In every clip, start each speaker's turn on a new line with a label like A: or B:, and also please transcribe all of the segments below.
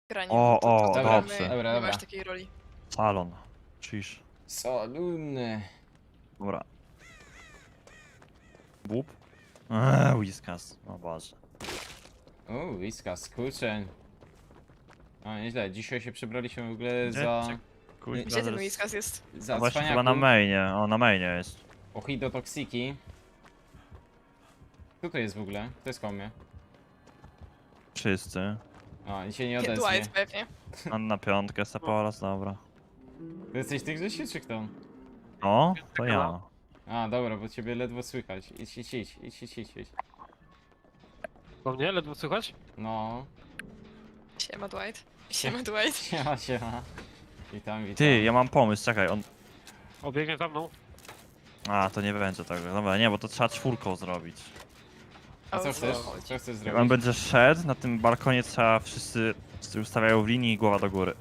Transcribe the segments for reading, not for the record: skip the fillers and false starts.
A: granie.
B: O,
A: no to
B: o,
A: gramy,
B: dobrze.
C: Dobra,
A: nie
C: dobra.
A: masz takiej roli.
B: Salon. Cisz.
C: Salunny.
B: Dobra. Bób. Whiskas. O Boże.
C: O, whiskas, kurczę. O, nieźle. Dzisiaj się przebraliśmy w ogóle
B: Gdzie?
C: za...
B: Kuźwa,
A: Gdzie ten
B: zaraz-
A: Whiskas jest?
C: Za
B: No właśnie chyba na
C: cwaniaków.
B: mainie. O, na mainie jest.
C: Ohidotoksiki. Kto to jest w ogóle? To jest komie.
B: Wszyscy.
C: A, i się nie odezwie.
A: Dwight pewnie.
B: Na piątkę Seporas, dobra.
C: Ty jesteś tych Grzesiu, czy kto?
B: O, to ja.
C: A, dobra, bo ciebie ledwo słychać. Idź.
D: Po mnie ledwo słychać?
C: No.
A: Siema Dwight. Siema Dwight.
C: Siema. Witam.
B: Ty, ja mam pomysł, czekaj, on...
D: Obiegnie za mną.
B: A, to nie będzie tego. Dobra, nie, bo to trzeba czwórką zrobić.
C: A co
A: O
C: chcesz?
A: chodzi?
C: Co chcesz
B: Jak
C: zrobić?
B: on będzie szedł, na tym balkonie trzeba wszyscy ustawiają w linii i głowa do góry.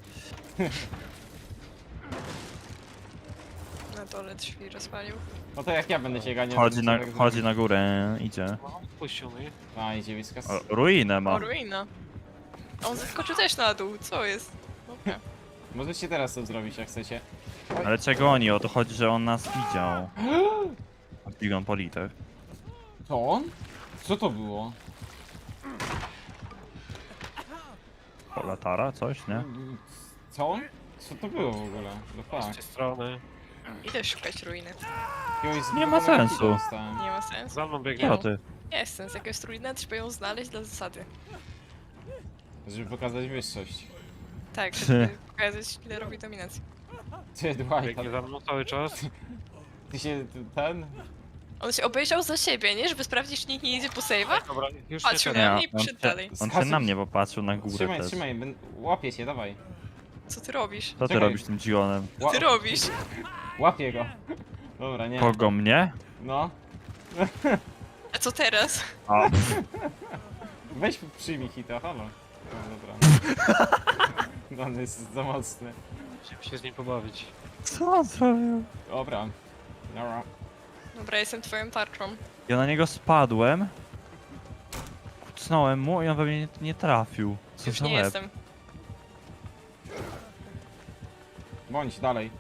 A: Na dole drzwi rozwalił.
C: No to jak ja będę się ganiał...
B: Chodzi na górę, idzie.
D: No, puścił mi.
C: A, idzie whiskas.
B: O, ruinę
A: O,
B: ma.
A: ruina. On zeskoczył też na dół, co jest? Dobra.
C: Możecie teraz to zrobić, jak chcecie.
B: Ale czego oni? O to chodzi, że on nas widział. Bigon politek.
C: To on? Co to było?
B: Latara, coś, nie?
C: Co on? Co to było w ogóle? No
D: Z
C: tak.
D: tej strony.
A: Idę szukać ruiny.
B: Nie ma sensu.
A: Nie ma sensu.
D: Za mną
B: Co
D: biegnie.
B: ty?
A: Jest sens, jak jest ruina, trzeba ją znaleźć dla zasady.
C: Żeby pokazać wyższość.
A: Tak, żeby pokazać killerowi dominację.
C: Ty, Dwight,
D: Biegnie za mną cały czas.
C: ty się ten...
A: On się obejrzał za siebie, nie? Żeby sprawdzić, czy nikt nie idzie po save'a.
D: Dobra, już
A: Patrzył
D: nie
A: na
D: teraz.
A: mnie i przyszedł dalej.
B: On się na mnie popatrzył na górę
C: Trzymaj,
B: też.
C: trzymaj, łapię się, dawaj.
A: Co ty robisz?
B: Co ty
C: Czekaj.
B: robisz tym dzigonem?
A: Co ty robisz?
C: Łapię go. Dobra, nie.
B: Kogo mnie?
C: No.
A: A co teraz?
B: A,
C: Weź przyjmij hita, halo. No, dobra. No, on jest za mocny.
D: Musimy się z nim pobawić.
B: co on zrobił?
C: Dobra. Dobra.
A: Dobra, jestem twoją tarczą.
B: Ja na niego spadłem. Kucnąłem mu i on we mnie nie trafił. Co
A: Już
B: za
A: nie
B: łeb.
A: jestem.
C: Bądź dalej.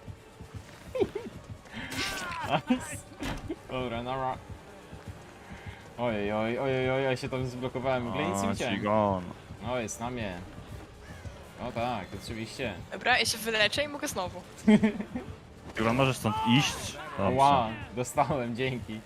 C: Nice. Dobra, nara. Ojej, ja się tam zblokowałem. W ogóle nic nie
B: O,
C: widziałem.
B: dzigon.
C: O, jest na mnie. O tak, oczywiście.
A: Dobra, ja się wyleczę i mogę znowu.
B: Dzigon, możesz stąd iść? Dobrze.
C: Ła, dostałem, dzięki.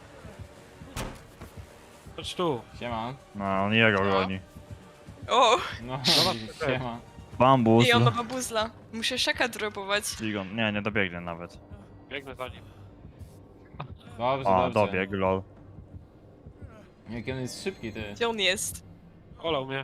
D: Chodź tu.
C: Siema.
B: No, on jego
A: No.
B: goni.
A: O!
C: No,
D: Zobacz,
C: siema.
B: Bambus.
A: I on ma babuzla. Muszę szaka dropować.
B: Dzigon, nie dobiegnie nawet.
D: Biegnę za nim.
C: Dobrze,
B: O,
C: dobrze.
B: dobiegł, lol.
C: Jaki on jest szybki, ty.
A: Gdzie on jest?
D: Olał mnie.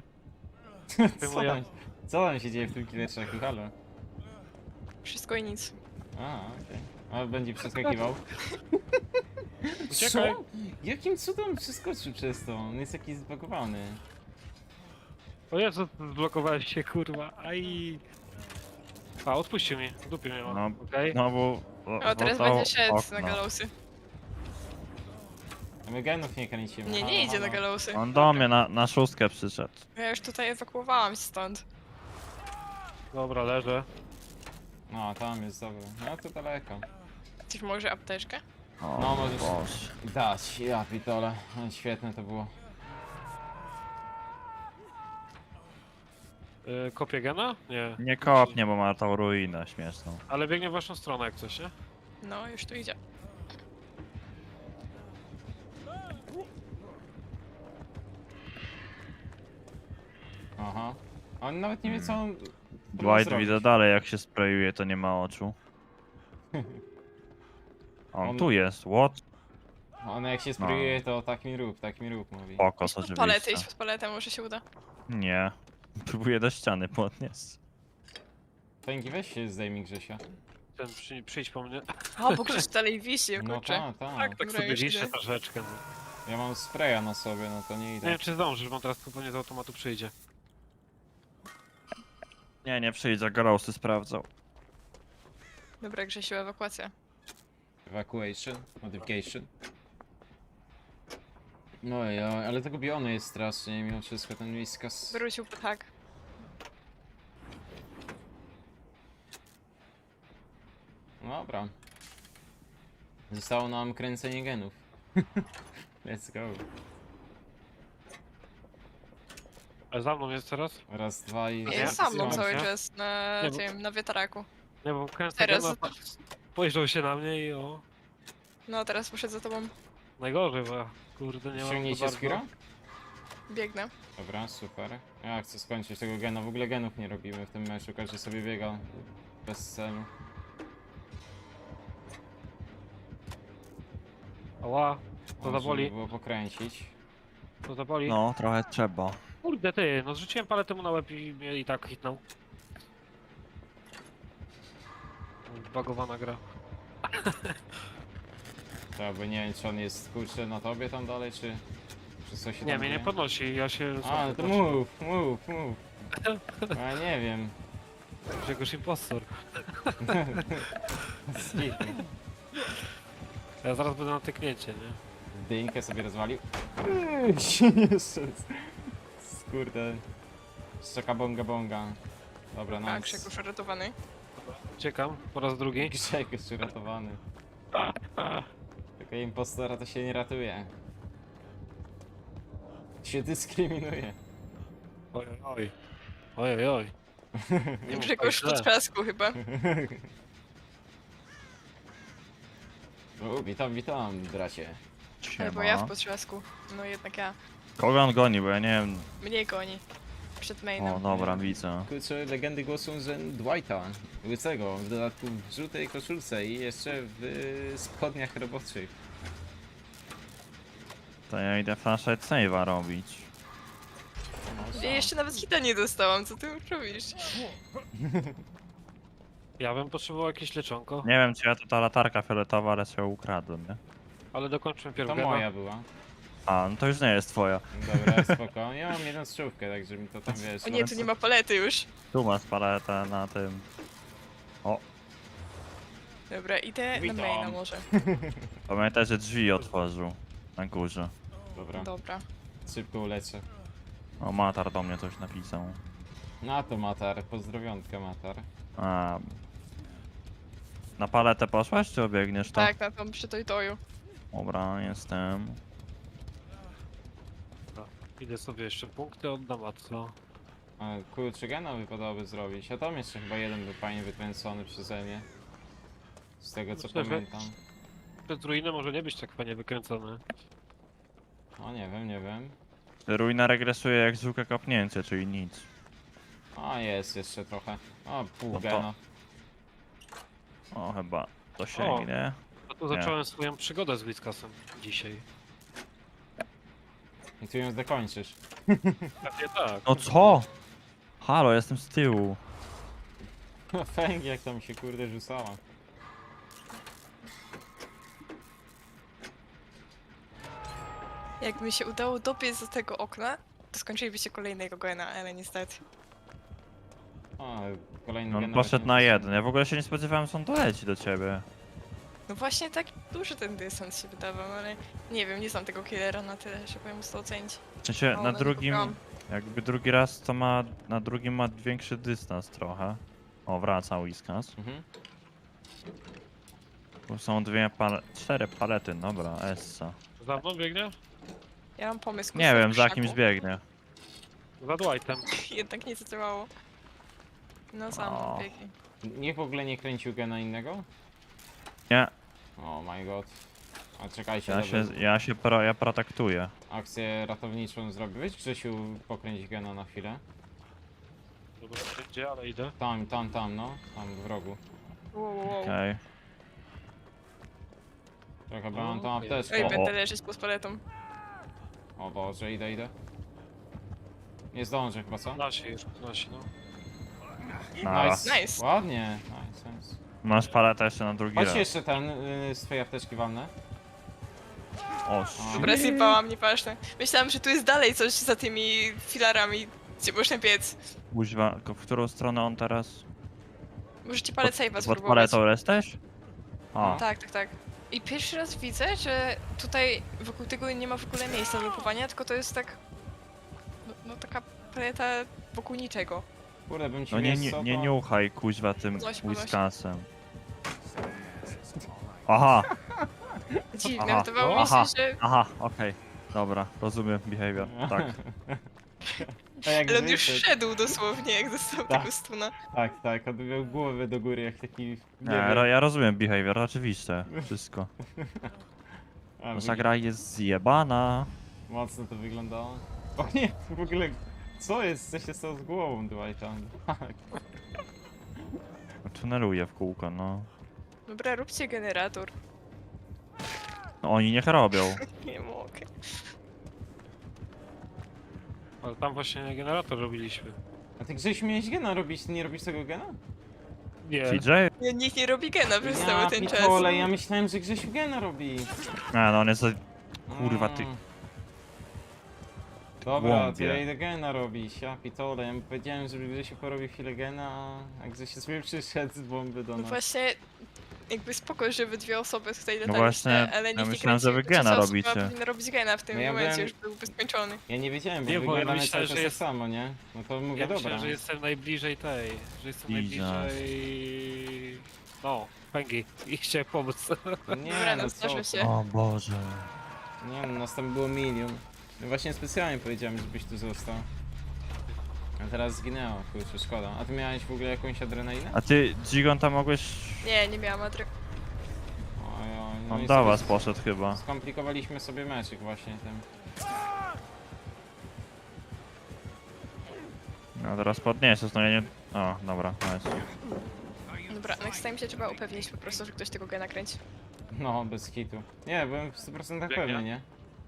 C: Co tam się dzieje w tym killerczaku, halo?
A: Wszystko i nic.
C: A, okej. A będzie przeskakiwał.
D: Uciekaj.
C: Co? Jakim cudem przeskoczył przez to? On jest jakiś zbagowany.
D: O Jezu, zblokowałeś się, kurwa. Aj. A, odpuścił mi. W dupie mnie ma.
B: No,
D: Okej.
B: Znowu...
A: O, teraz będzie szedł na galosy.
C: A my genów nie kręcimy.
A: Nie,
C: halo,
A: nie idzie na
C: halo.
A: galosy.
B: On do mnie na szóstkę przyszedł.
A: Ja już tutaj ewakuowałam się stąd.
D: Dobra, leżę.
C: No, tam jest, dobra. No to daleko.
A: Coś może apteczkę?
B: O,
C: No, możesz-
B: Boże.
C: Dać, ja pitole. Świetne to było.
D: Kopię gena? Nie.
B: Nie kopnie, bo ma tą ruinę śmieszną.
D: Ale biegnie w waszą stronę jak coś, nie?
A: No, już tu idzie.
C: Aha. On nawet nie wie co on...
B: Dwight
C: zrobić.
B: widzę dalej, jak się sprayuje, to nie ma oczu. On tu jest, what?
C: On jak się sprayuje, to tak mi rób, mówi.
B: Pokos
A: Pod paletę, idź
B: oczywiście.
A: pod paletę, może się uda.
B: Nie. Próbuję do ściany podnieść.
C: Tęgi, weź się zdejmij Grzesia.
D: Ten przyjdź po mnie.
A: O, bo ktoś dalej wisi,
C: No
A: kurczę.
C: tak.
D: Tak
A: Dobra,
D: sobie
A: już
D: liszę
A: idę.
D: troszeczkę. No.
C: Ja mam spraya na sobie, no to nie
D: Nie
C: idę.
D: wiem czy zdążysz, bo on teraz pewnie z automatu przyjdzie.
B: Nie przyjdzie, Garosy sprawdzał.
A: Dobra, Grzesiu, ewakuacja.
C: Evacuation, modification. No ale tego bionu jest strasznie, mimo wszystko ten whiskas.
A: Wrócił tak.
C: dobra. Zostało nam kręcenie genów. Let's go.
D: A za mną jest teraz?
C: Raz, dwa i...
A: Jest za mną
D: Nie,
A: cały
D: nie.
A: czas na
D: Nie, bo-
A: tym, na wiatraku.
D: Nie, bo kręcę
A: Teraz-
D: gena, spojrzał się na mnie i o...
A: No, teraz poszedł za tobą.
D: Najgorzej, bo kurde, nie mam
C: Ściągnijcie Skira?
A: Biegnę.
C: Dobra, super. Ja chcę skończyć tego gena. W ogóle genów nie robimy w tym meczu. Każdy sobie biega bez celu.
D: Ała, to
C: Można
D: zaboli,
C: by było pokręcić.
D: to zaboli.
B: No, trochę trzeba.
D: Kurde ty, no zrzuciłem paletę mu na łeb i mnie i tak hitnął. Bagowana gra.
C: To by nie wiem, czy on jest kurczę na tobie tam dalej, czy coś się
D: Nie,
C: tam
D: mnie nie
C: dzieje?
D: podnosi, ja się...
C: A, no to move. Ja nie wiem.
D: Grzegorz impostor.
C: Skipnij.
D: Ja zaraz będę na tyknięcie, nie?
C: Dynkę sobie rozwalił. Jeszcze. Kurde. Szczeka bonga bonga. Dobra,
A: A,
C: nice.
A: Grzegorz ratowany.
D: Uciekam, po raz drugi.
C: Grzeg jeszcze ratowany. Tylko impostora to się nie ratuje. Się dyskryminuje.
D: Oj, oj. Oj, oj. Nie mów
A: Grzegorz
D: tak
A: po
D: źle.
A: trzasku chyba.
C: O, witam, bracie.
A: Albo ja w
B: Siema.
A: potrzasku. No jednak ja.
B: Kogo on goni, bo ja nie wiem.
A: Mnie goni. Przed
B: O,
A: mainem.
B: dobra, widzę.
C: Kurczę, legendy głoszą, że Dwighta, łysego, w dodatku w żółtej koszulce i jeszcze w spodniach roboczych.
B: To ja idę flashlight save'a robić.
A: Ja jeszcze nawet hita nie dostałam, co ty robisz?
D: Ja bym potrzebował jakieś leczonko,
B: Nie wiem, czy ja to ta latarka fioletowa, ale się ukradłem, nie?
D: ale dokończmy
C: To
D: pierw
C: moja była.
B: A, no to już nie jest twoja.
C: Dobra, spoko. Ja mam jedną strzałkę, także mi to tam wiesz.
A: O nie, tu nie ma palety już.
B: Tu masz paletę na tym.
A: Dobra, idę
C: Witam.
A: na maina może.
B: Pamiętaj, że drzwi otworzył. Na górze.
C: Dobra,
A: Dobra.
C: szybko uleczę.
B: O, Matar do mnie coś napisał.
C: Na to Matar, pozdrowionka Matar.
B: A. Na paletę poszłaś, czy obiegniesz to?
A: Tak, na tą przy toju.
B: Dobra, jestem.
D: Idę sobie jeszcze punkty oddam, a co?
C: Ale kurczę, gena wypadałoby zrobić. A tam jeszcze chyba jeden był fajnie wykręcony przeze mnie. Z tego co
D: Myślę, że-
C: pamiętam.
D: Przed ruiny może nie być tak fajnie wykręcony.
C: O nie wiem.
B: Ruina regresuje jak zwykłe kopnięcie, czyli nic.
C: A jest jeszcze trochę. O, pół
B: No to-
C: gena.
B: O, chyba to sięgnie.
D: A tu
B: Nie.
D: zacząłem swoją przygodę z Blitzkasem dzisiaj.
C: I ty ją dokończysz.
D: Pewnie tak.
B: No co? Halo, jestem z tyłu.
C: Fęg jak tam się kurde rzucała.
A: Jakby mi się udało dobiec do tego okna, to skończylibyście kolejnego gena, ale niestety.
C: O, kolejny
B: No, on
C: gen
B: poszedł
C: nawet
B: na
C: nie
B: jeden. Ja w ogóle się nie spodziewałem, że on doleci do ciebie.
A: No właśnie tak duży ten dystans się wydawał, ale nie wiem, nie znam tego killera na tyle, żeby móc to ocenić.
B: W sensie
A: O,
B: na
A: no,
B: drugim,
A: wybrałam.
B: jakby drugi raz to ma, na drugim ma większy dystans trochę. O, wraca Whiskas.
C: Mhm.
B: Tu są cztery palety, dobra, Essa.
D: Za mną biegnie?
A: Ja mam pomysł.
B: Nie
A: kuszę w
B: wiem, za
A: krzaku.
B: kimś biegnie.
D: Za Dwightem.
A: Jednak nie zadziałało. No sam
B: O.
A: biegnie.
C: Niech w ogóle nie kręcił gena innego?
B: Nie,
C: Oh my god. A czekajcie, dobra.
B: ja protektuję.
C: Akcję ratowniczą zrobię. Weź Grzesiu pokręć gena na chwilę.
D: Dobra, gdzie, ale idę.
C: Tam, no. Tam w rogu.
A: Wow.
B: Okej.
C: Czekaj, bo mam tam
A: Oj,
C: apteczkę.
A: będę leżeć pod paletą.
C: O Boże, idę. Nie zdążę chyba, co?
D: Nasi, no.
B: Nara.
A: Nice.
C: Ładnie. Nice.
B: Masz paletę jeszcze na drugi
C: Chodź
B: raz.
C: jeszcze ten z twojej apteczki walne.
B: O,
A: Dobra, zjebałam, nieważne. Myślałam, że tu jest dalej coś za tymi filarami, gdzie można biec.
B: kuźwa, w którą stronę on teraz?
A: Możecie palet save'a
B: Pod
A: spróbować.
B: paletą jesteś? O,
A: Tak. I pierwszy raz widzę, że tutaj wokół tego nie ma w ogóle miejsca do lupowania, tylko to jest tak... No taka paleta wokół niczego.
C: Kurde, bym ci
B: no nie,
C: wiesz co,
B: nie
C: to-
B: niuchaj kuźwa tym
A: Podnoś.
B: Whiskasem. Aha,
A: Dziwne,
B: Aha.
A: wydawało mi
B: Aha.
A: się, że...
B: aha, okej. Dobra, rozumiem behavior. Tak.
C: A jak
A: Ale on już
C: wyszedł-
A: szedł dosłownie, jak dostał
C: Tak.
A: tego stuna.
C: Tak, on miał głowę do góry jak taki...
B: Nie,
C: wiem.
B: ja rozumiem behavior, oczywiście. Wszystko.
C: A,
B: Nasza gra jest zjebana.
C: Mocno to wyglądało. O nie, w ogóle... Co jest? Co się stało z głową Dwighta?
B: Tuneluje w kółko, no.
A: Dobra, róbcie generator.
B: No oni niech robią.
A: Nie mogę.
D: Ale tam właśnie generator robiliśmy.
C: A ty Grzesiu miałeś gena robić, ty nie robisz tego gena?
D: Nie.
B: TJ?
A: Nie, nikt nie robi gena przez
C: Ja
A: cały ten czas.
C: pitole, ja myślałem, że Grzesiu gena robi.
B: A, no on jest... Kurwa, ty-
C: Dobra, to
B: Głąbie.
C: ja idę gena robić, ja pitole. Ja mu powiedziałem, żeby Grzesiu porobił chwilę gena, a Grzesiu sobie przyszedł z bomby do
A: No
C: nas.
A: właśnie, jakby spoko, że wy dwie osoby tutaj
B: No
A: lataliście,
B: właśnie,
A: ale
B: ja
A: nikt nie
B: myślałem, że wy
A: kręcił,
B: gena
A: trzecia osoba
B: robicie.
A: powinna robić gena w tym
C: No ja
A: momencie,
C: byłem-
A: już byłby skończony.
C: Ja nie wiedziałem, bo
D: Nie, bo ja
C: wyglądamy
D: myślałem,
C: cały czas
D: że
C: tak
D: jest-
C: samo, nie? No to mówię,
D: Ja
C: dobra.
D: myślałem, że jestem najbliżej tej, że jestem
B: Jesus.
D: najbliżej... No, pęgi i chciałem pomóc.
C: Nie,
A: Dobra,
C: no
A: no
C: co
A: zdarzy
C: ty.
A: się.
B: O Boże.
C: Nie no, nas tam było milion. No właśnie specjalnie powiedziałem, żebyś tu został. A teraz zginęło, kurczę, szkoda. A ty miałeś w ogóle jakąś adrenalinę?
B: A ty, Gigon, tam mogłeś...
A: Nie, nie miałam adry.
C: Oj, no
B: On
C: i
B: do
C: sobie
B: was poszedł chyba.
C: Skomplikowaliśmy sobie meczyk właśnie tym.
B: No teraz podniesiesz, no ja nie... O, dobra, nice.
A: Dobra, next time się trzeba upewnić po prostu, że ktoś tego gena kręci.
C: No, bez hitu. Nie, byłem w 100% pewny, nie?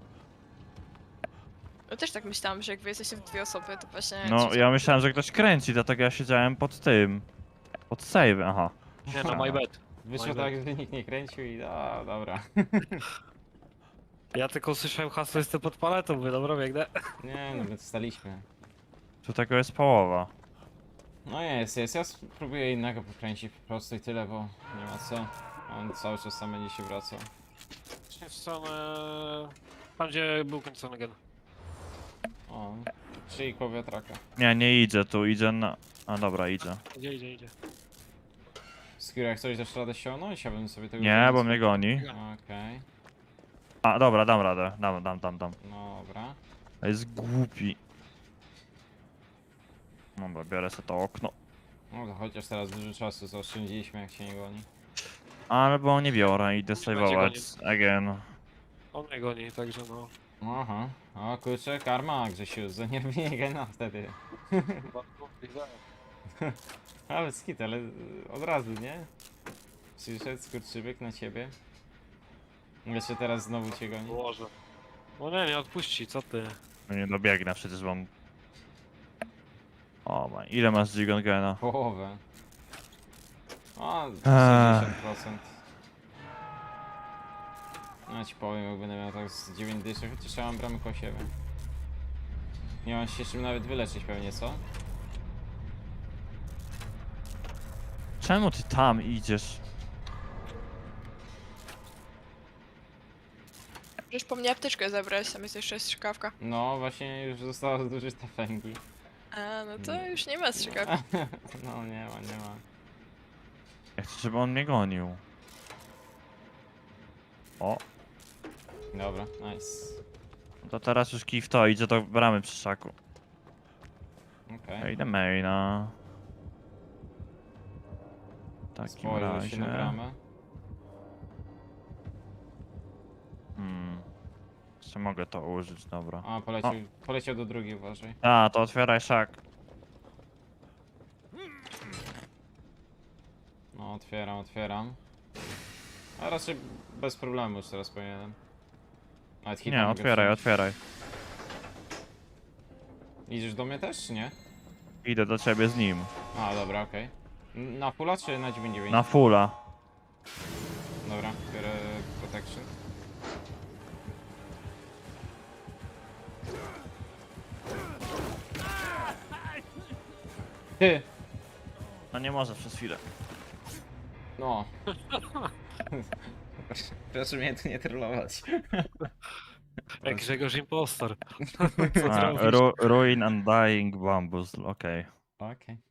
A: No też tak myślałam, że jak wy jesteście w dwie osoby, to właśnie...
B: No, ja myślałem, że ktoś kręci, dlatego ja siedziałem pod tym. Pod save, aha.
D: Nie no, my bad.
C: Wyszło
D: Oj,
C: tak, że nikt nie kręcił i dobra.
D: Ja tylko usłyszałem hasło, jestem pod paletą, mówię, dobra, biegnę.
C: Nie no, my staliśmy.
B: Tu tego jest połowa.
C: No jest. Ja spróbuję innego pokręcić po prostu i tyle, bo nie ma co. On cały czas sam będzie się wracał.
D: W stronę... Tam gdzie był kończony gen.
C: O, czyli koło wiatraka.
B: Nie idzie tu, idzie na... A dobra, idzie.
D: Idzie.
C: Skoro jak coś dasz radę ściągnąć, ja bym sobie tego...
B: Nie, bo mnie goni.
C: Okej,
B: A, dobra, dam radę. Dam.
C: no dobra.
B: A jest głupi. Dobra, biorę sobie to okno.
C: No to chociaż teraz dużo czasu zaoszczędziliśmy, jak się nie goni.
B: Albo nie biorę, idę saveować. Again.
D: On mnie goni, także no.
C: Aha, o kurczę, karma Grzesiu, za nierobienie gena wtedy. Ale skit, ale od razu, nie? Przyszedł skurczybyk na ciebie. Jeszcze teraz znowu cię goni.
D: Boże. No nie odpuści, co ty?
B: No nie dobiegnę przecież, bo... O ma, ile masz Gigon Gena?
C: Połowę. O, 60%. No ci powiem, jak będę miał tak z 9 dyszek, chociaż ja mam bramę koło siebie. Nie mam się czym nawet wyleczyć pewnie, co?
B: Czemu ty tam idziesz?
A: Możesz po mnie apteczkę zabrać, tam jest jeszcze strzykawka.
C: No, właśnie już zostało zużyte fęgi.
A: A, no to już nie ma strzykawki.
C: No, nie ma.
B: Ja chcę, żeby on mnie gonił. O,
C: Dobra, nice.
B: to teraz już kij w to, idzie do bramy przy szaku.
C: Okej.
B: Ja idę maina. W takim
C: Spojrzał się na
B: razie...
C: bramę.
B: Jeszcze mogę to użyć, dobra.
C: A, poleciał do drugiej, uważaj.
B: A, to otwieraj szak.
C: No, otwieram. A raczej bez problemu już teraz powinienem. Nawet hita
B: Nie,
C: mogę
B: otwieraj,
C: wziąć.
B: otwieraj.
C: Idziesz do mnie też, czy nie?
B: Idę do ciebie z nim.
C: A, dobra, okej. Na fulla czy na 9.9?
B: Na fulla.
C: Dobra, biorę protection. Ty!
B: No nie może przez chwilę.
C: No. Proszę mnie tu nie trollować.
D: Jak Grzegorz Impostor.
B: A, Ruin Undying Bambus, okej.
C: Okej.